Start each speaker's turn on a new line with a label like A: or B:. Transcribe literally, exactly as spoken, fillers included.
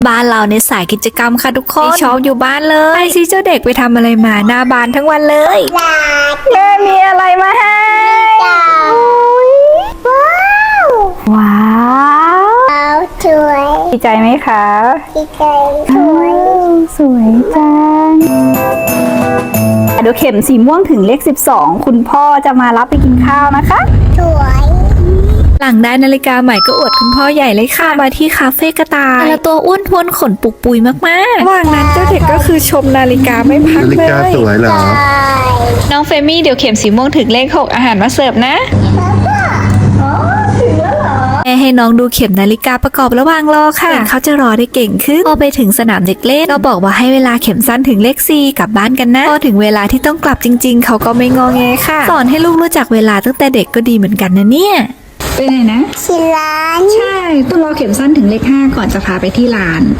A: บ้านเราในสายกิจกรรมค่ะทุกคนชอบอยู่บ้านเลยไอซีเจ้าเด็กไปทำอะไรมาหน้าบ้านทั้งวันเลยแม่มีอะไรมาให้ว้าวสวยดีใจไหมคะดีใจสวยสวยจังเดี๋ยวเข็มสีม่วงถึงเลขสิบสองคุณพ่อจะมารับไปกินข้าวนะคะสวยหลังได้นาฬิกาใหม่ก็อวดคุณพ่อใหญ่เลยค่ะมาที่คาเฟ่กระต่ายแต่ละตัวอ้วนท้วนขนปุกปุยมากๆระหว่างนั้นเจ้าเด็กก็คือชมนาฬิกาไม่พักเลยนาฬิกาสวยเหรอน้องเฟมี่เดี๋ยวเข็มสีม่วงถึงเลขหกอาหารมาเสิร์ฟนะแม่ให้น้องดูเข็มนาฬิกาประกอบระหว่างรอค่ะเขาจะรอได้เก่งขึ้นพอไปถึงสนามเด็กเล่นก็บอกว่าให้เวลาเข็มสั้นถึงเลขสี่กลับบ้านกันนะพอถึงเวลาที่ต้องกลับจริงๆเขาก็ไม่งอแงค่ะสอนให้ลูกรู้จักเวลาตั้งแต่เด็กก็ดีเหมือนกันนะเนี่ยไปไหนนะที่ร้านใช่ต้องรอเข็มสั้นถึงเลขห้าก่อนจะพาไปที่ร้าน